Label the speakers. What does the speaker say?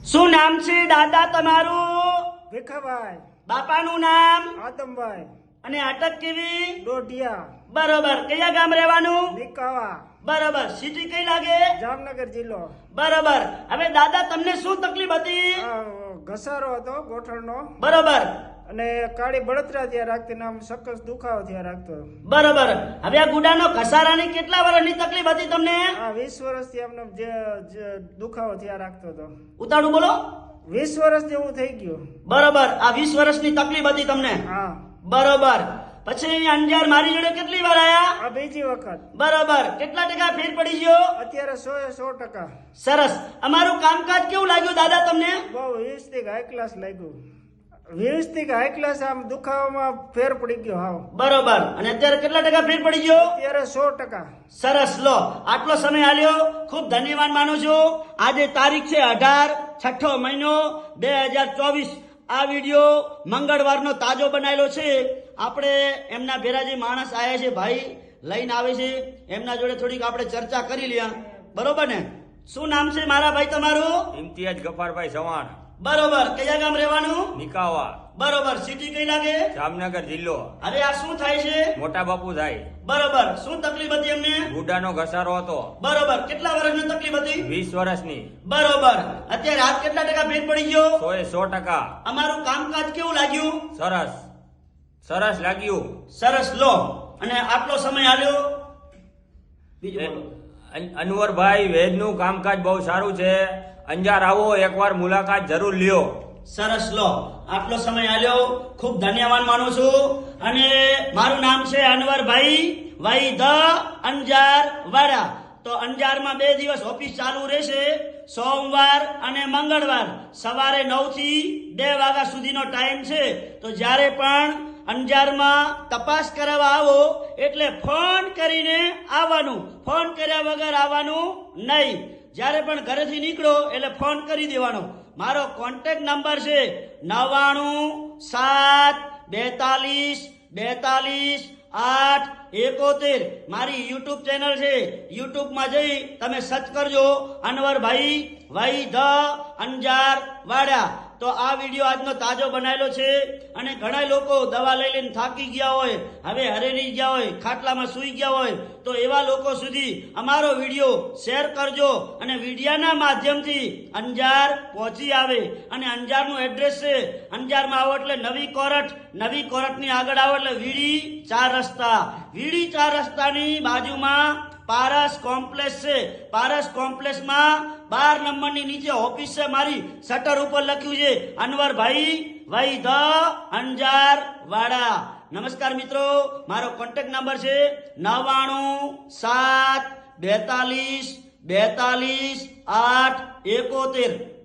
Speaker 1: શું નામ છે દાદા તમારું?
Speaker 2: ભીખાભાઈ,
Speaker 1: બાપાનું નામ?
Speaker 2: આદમભાઈ,
Speaker 1: અને અટક કેવી?
Speaker 2: ડોઢિયા,
Speaker 1: બરોબર. કયા ગામ રહેવાનું?
Speaker 2: નિકાવા,
Speaker 1: બરોબર. સિટી કઈ લાગે?
Speaker 2: જામનગર જિલ્લો.
Speaker 1: બરોબર. હવે દાદા તમને શું તકલીફ હતી?
Speaker 2: આ ઘસારો હતો ગોઠણનો
Speaker 1: બરોબર
Speaker 2: અને કાળી બળતરા થયા રાખતી નામ સખત દુખાવો થયા રાખતો.
Speaker 1: બરોબર. હવે આ ગુડાનો ઘસારાની કેટલા વર્ષની તકલીફ હતી તમને?
Speaker 2: આ 20 વર્ષથી આમને જે દુખાવો થયા રાખતો હતો.
Speaker 1: ઉતાળું બોલો.
Speaker 2: 20 વર્ષ જેવું થઈ ગયું.
Speaker 1: બરોબર. આ 20 વર્ષની તકલીફ હતી તમને?
Speaker 2: હા.
Speaker 1: બરોબર. પછી અંજાર મારી જોડે કેટલી વાર આયા?
Speaker 2: આ બીજી વખત.
Speaker 1: બરોબર. કેટલા ટકા ફેર પડી ગયો?
Speaker 2: અત્યારે 100%
Speaker 1: સરસ. અમારું કામકાજ કેવું લાગ્યું દાદા તમને?
Speaker 2: બહુ 20 થી હાઈ ક્લાસ લાગ્યું. 20 થી હાઈ ક્લાસ આમ દુખાવામાં ફેર પડી ગયો. હાવ
Speaker 1: બરોબર. અને અત્યારે કેટલા ટકા ફેર પડી ગયો?
Speaker 2: અત્યારે 100%.
Speaker 1: સરસ. લો, આટલો સમય આલ્યો, ખૂબ ધન્યવાદ માનું છું. આજે તારીખ છે 18, 6ઠો મહિનો 2024. આ વિડીયો મંગળવારનો તાજો બનાવેલો છે. આપણે એમના ભેરા જે માણસ આયા છે, ભાઈ લઈને આવે છે, એમના જોડે થોડીક આપણે ચર્ચા કરી લ્યા. બરોબર ને? શું નામ છે મારા ભાઈ તમારું?
Speaker 3: ઇમ્તિયાજ ગફારભાઈ ચવાણ,
Speaker 1: બરોબર. કયા ગામ રહેવાનું?
Speaker 3: નિકાવા,
Speaker 1: બરોબર. સિટી કઈ લાગે?
Speaker 3: જામનગર જિલ્લો.
Speaker 1: હવે આ શું થાય છે?
Speaker 3: મોટા બાપુ થાય.
Speaker 1: બરોબર. શું તકલીફ હતી એમને?
Speaker 3: ગુડાનો ઘસારો હતો.
Speaker 1: બરોબર. કેટલા વર્ષની તકલીફ હતી?
Speaker 3: 20 વર્ષની.
Speaker 1: બરોબર. અત્યારે હાથ કેટલા ટકા ફેર પડી ગયો?
Speaker 3: 100%
Speaker 1: અમારું કામકાજ કેવું લાગ્યું?
Speaker 3: સરસ સરસ લાગ્યું.
Speaker 1: સરસ. લો, અને આટલો સમય આલ્યો. બીજું બોલો.
Speaker 3: અનવરભાઈ વેદનું કામકાજ બહુ સારું છે. અંજાર આવો, એકવાર મુલાકાત જરૂર લ્યો.
Speaker 1: સરસ. લો, આટલો સમય આલ્યો, ખૂબ ધન્યવાદ માનું છું. અને મારું નામ છે અનવરભાઈ વાઈ ધ અંજાર વાડા. તો અંજારમાં 2 દિવસ ઓફિસ ચાલુ રહેશે, સોમવાર અને મંગળવાર. સવારે 9 થી 2 વાગ્યા સુધીનો ટાઈમ છે. તો જ્યારે પણ અંજારમાં તપાસ કરાવવા આવો એટલે ફોન કરીને આવવાનું, ફોન કર્યા વગર આવવાનું નહીં. જ્યારે પણ ઘરેથી નીકળો એટલે ફોન કરી દેવાનો. મારો કોન્ટેક્ટ નંબર છે 9972424871. મારી યુટ્યુબ ચેનલ છે, યુટ્યુબમાં જઈ તમે સર્ચ કરજો અનવરભાઈ વાઈ ધ અંજાર વાડા. તો આ વિડીયો આજનો તાજો બનાવેલો છે. અને ઘણા લોકો દવા લઈ લઈને થાકી ગયા હોય, હવે હરેરી ગયા હોય, ખાટલામાં સૂઈ ગયા હોય, તો એવા લોકો સુધી અમારો વિડીયો શેર કરજો અને વિડીયાના માધ્યમથી અંજાર પહોંચી આવે. અને અંજારનું એડ્રેસ છે, અંજારમાં આવો એટલે નવી કોરટની આગળ આવો એટલે વીડી 4 રસ્તા. વીડી 4 રસ્તાની બાજુમાં પારસ કોમ્પ્લેક્સ છે. પારસ કોમ્પ્લેક્સમાં 12 નંબરની નીચે ઓફિસ છે મારી. શટર ઉપર લખ્યું છે અનવરભાઈ વાઈ ધ અંજાર વાડા. નમસ્કાર મિત્રો, મારો કોન્ટેક્ટ નંબર છે 9972424871.